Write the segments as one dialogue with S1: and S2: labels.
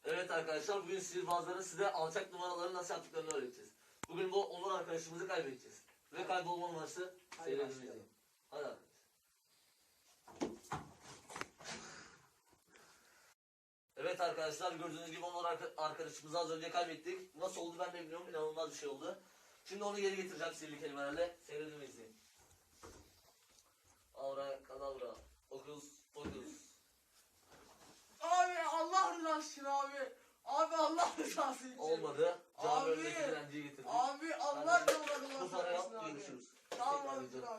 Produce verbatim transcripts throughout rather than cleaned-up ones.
S1: Evet arkadaşlar, bugün sihirbazların size alçak numaraları nasıl yaptıklarını öğreteceğiz. Bugün bu Onur arkadaşımızı kaybedeceğiz. Ve kaybolma numarası seyredilmeyecek. Hadi arkadaşlar. Evet arkadaşlar, gördüğünüz gibi Onur arkadaşımızı az önce kaybettik. Nasıl oldu ben de bilmiyorum, inanılmaz bir şey oldu. Şimdi onu geri getireceğim sihirli kelimelerle. Seyredin ve izleyin. Avra kadavra. Okus pokus.
S2: Abi Allah rızası için abi. Abi Allah rızası için.
S1: Olmadı. Cami
S2: Abi.
S1: önündeki dilenciyi getirdik.
S2: Abi Allah
S1: Kardeşim, bu parayı
S2: rızası
S1: al,
S2: için abi.
S1: görüşürüz.
S2: Tamam
S1: Tekrar
S2: abi dur
S1: edeceğim.
S2: abi.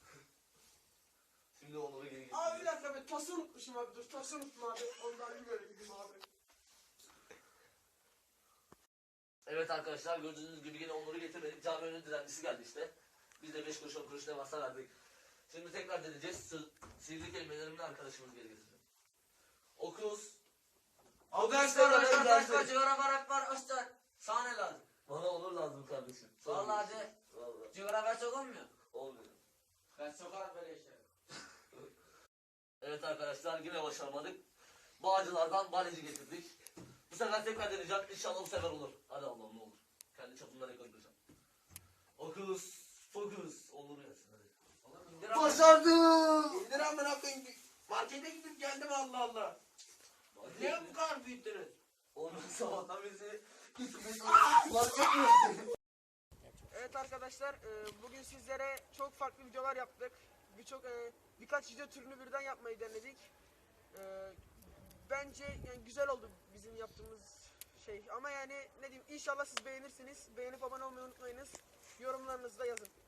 S1: Şimdi Onur'u geri getirdik.
S2: Abi bir dakika ben tası unutmuşum abi dur tası unuttum abi. Ondan bir böyle gideyim abi.
S1: Evet arkadaşlar, gördüğünüz gibi yine Onur'u getirmedik. Cami önünde dilencisi geldi işte. Biz de beş kuruş on kuruş devasa verdik. Şimdi tekrar deneyeceğiz. Sı sihirli kelimelerimle arkadaşımızı geri getireceğim. Okus.
S3: Arkadaşlar arkadaşlar cigara barak var açlar. Sana ne lazım?
S1: Bana Onur lazım kardeşim. Sonra
S3: Vallahi
S1: görüşürüz.
S3: de.
S1: Vallahi.
S3: Cigara ver çok olmuyor.
S1: Olmuyor.
S3: Ben sokarım böyle işleri.
S1: Evet arkadaşlar, yine başaramadık. Bağcılardan baleci getirdik. Bu sefer tekrar deneyeceğim. İnşallah bu sefer olur. Hadi Allah'ım ne olur. Kendi çapımdan rekor kıracağım. Okus. Fokus. Olur gelsin hadi.
S3: Oğlum indir abi.
S2: Başardım. İndir amına koyayım. Markete gidip geldim Allah Allah.
S3: Niye bu kadar büyüttünüz?
S1: Onur sabahtan bizi gitmiş.
S2: Evet arkadaşlar e, bugün sizlere çok farklı videolar yaptık. Birçok e, birkaç video türünü birden yapmayı denedik. E, Bence yani güzel oldu bizim yaptığımız şey. Ama yani ne diyeyim, inşallah siz beğenirsiniz. Beğenip abone olmayı unutmayınız. Yorumlarınızı da yazın.